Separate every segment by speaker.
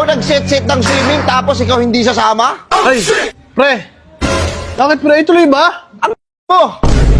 Speaker 1: nag-set ng swimming tapos ikaw hindi sasama?
Speaker 2: Ay, pre. Bakit pre? Ituloy ba?
Speaker 1: Oh!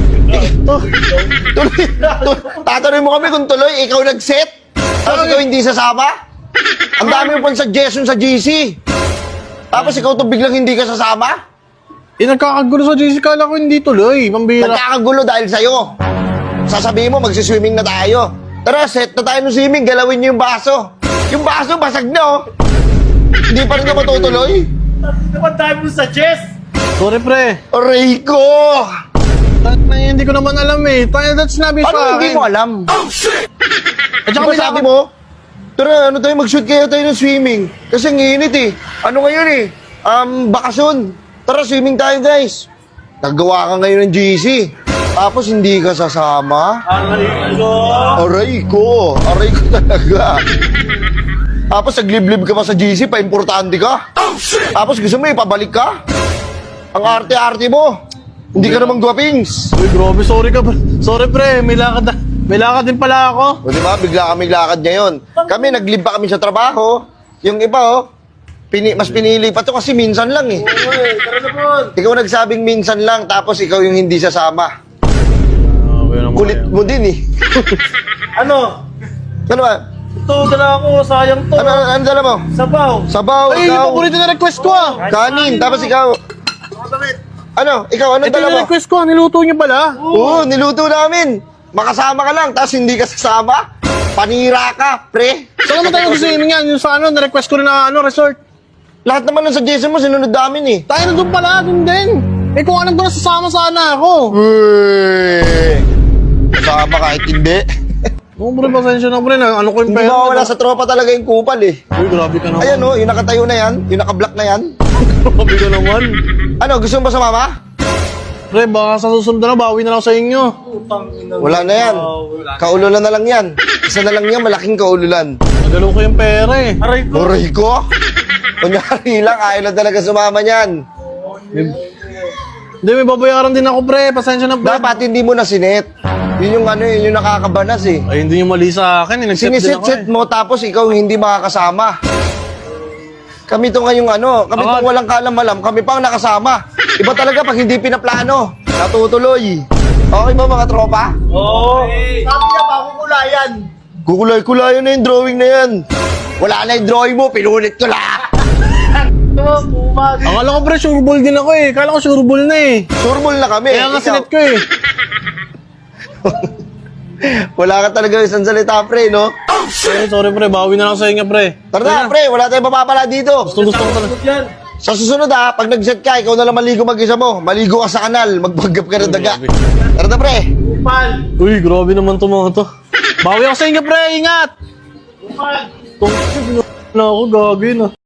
Speaker 1: Tatanungin mo kami kung tuloy, ikaw nag-set? Tapos ikaw hindi sasama? Ang dami mo pang suggestion sa GC. Tapos ikaw to biglang hindi ka sasama?
Speaker 2: Nagkakagulo sa GC. Kala ko hindi tuloy. Pambira.
Speaker 1: Nagkakagulo dahil sa'yo. Sasabihin mo, magsiswimming na tayo. Tara, set na tayo ng swimming, galawin niyo yung baso. Yung baso, basag na oh. Hindi pa rin ka matutuloy?
Speaker 3: Naman tayo mo sa chess!
Speaker 2: Sorry pre.
Speaker 1: Aray ko!
Speaker 2: Hindi ko naman alam eh. That's sinabi sa
Speaker 1: Ano
Speaker 2: akin.
Speaker 1: hindi mo alam?
Speaker 2: At saka
Speaker 1: Diba sabi mo, tara, ano tayo, mag-shoot kayo tayo ng swimming. Kasi ang init eh. Ano ngayon eh? Bakasyon. Tara, swimming tayo guys. Naggawa ka ngayon ng GC. Tapos hindi ka sasama. Aray ko talaga. Tapos nagliblib ka pa sa GC, pa-importante ka. Tapos gusto mo ipabalik ka. Ang arte-arte mo. Hindi ka namang gwapings.
Speaker 2: Uy, grabe. Sorry ka. Sorry pre. May lakad din pala ako.
Speaker 1: O diba, bigla kami lakad ngayon. Kami, naglib pa kami sa trabaho. Yung iba, oh, mas pinili pa to kasi minsan lang eh. Ikaw nagsabing minsan lang, tapos ikaw yung hindi sasama. Kulit mo din eh.
Speaker 3: Ano?
Speaker 1: Ano ba?
Speaker 3: Ito, dala ako. Sayang to.
Speaker 1: Ano dala mo?
Speaker 3: Sabaw.
Speaker 1: Sabaw,
Speaker 2: Ay, yung
Speaker 1: ikaw.
Speaker 2: paborito na request ko ah.
Speaker 1: Kanin, tapos ikaw. Ano? Ikaw, anong
Speaker 2: Ito
Speaker 1: dala
Speaker 2: yung
Speaker 1: mo?
Speaker 2: request ko. Niluto niyo pala.
Speaker 1: Oo, niluto namin. Makasama ka lang, tapos hindi ka sasama. Panira ka, pre.
Speaker 2: Saan naman tayo gusto yan? Yung sa ano, na-request ko rin na resort.
Speaker 1: Lahat naman ng suggestion mo, sinunod namin eh.
Speaker 2: Tayo na doon pala, doon din. Eh kung alam ko na sasama sana ako.
Speaker 1: Uy! Kasama kahit hindi.
Speaker 2: Oo, pre, pasensya na pre. Ano ko yung
Speaker 1: Hindi
Speaker 2: pera?
Speaker 1: mawawala sa tropa talaga yung kupal eh.
Speaker 2: Uy, grabe ka naman.
Speaker 1: Ayan oh, yung nakatayo na yan, yung nakablock na yan.
Speaker 2: Grabe ka naman.
Speaker 1: Ano, gusto mo ba sumama?
Speaker 2: Pre, baka sa susunod na bawi na lang sa inyo.
Speaker 1: Wala na yan. Kaululan na lang yan. Isa na lang yan, malaking kaululan.
Speaker 2: Nagalaw ko yung pera eh.
Speaker 3: Aray ko.
Speaker 1: Uray ko? Kunyari lang, ayaw na talaga sumama niyan.
Speaker 2: Hindi, may babayaran din ako pre. Pasensya na pre.
Speaker 1: Dapat hindi mo na sinet. Yun yung ano, yun yung nakakabanas eh.
Speaker 2: Ay, hindi nyo mali sa akin eh. Nag-set din ako
Speaker 1: Sinisit-set
Speaker 2: eh.
Speaker 1: mo tapos ikaw hindi makakasama. Kami to ngayong ano, kami
Speaker 2: Ako-
Speaker 1: tong walang kaalam-alam, kami pang nakasama. Iba talaga pag hindi pinaplano, natutuloy. Okay ba mga tropa?
Speaker 3: Oo. Sabi niya pa, kukulayan.
Speaker 1: Kukulay-kulayan na yung drawing na yan. Wala na yung drawing mo, pinulit ko lahat.
Speaker 2: Akala ko pre, sureball din ako eh. Akala ko sureball na eh.
Speaker 1: Surbol na kami.
Speaker 2: Kaya nga
Speaker 1: Ikaw,
Speaker 2: sinet ko eh.
Speaker 1: wala ka talaga isang salita, pre, no?
Speaker 2: Sorry pre, bawi na lang sa inyo pre.
Speaker 1: Tara na, pre, wala tayong mapapala dito.
Speaker 2: Gusto ko talaga.
Speaker 3: Yan.
Speaker 1: Sa susunod ha, pag nag-set ka, ikaw na lang maligo mag-isa mo. Maligo ka sa kanal, magbaggap ka ng daga.
Speaker 2: Grabe.
Speaker 1: Tara na, pre.
Speaker 3: Upal.
Speaker 2: Uy, grabe naman to mga to. Bawi ako sa inyo pre, ingat!
Speaker 3: Upal.
Speaker 2: Tungkol na ako, gagawin ah.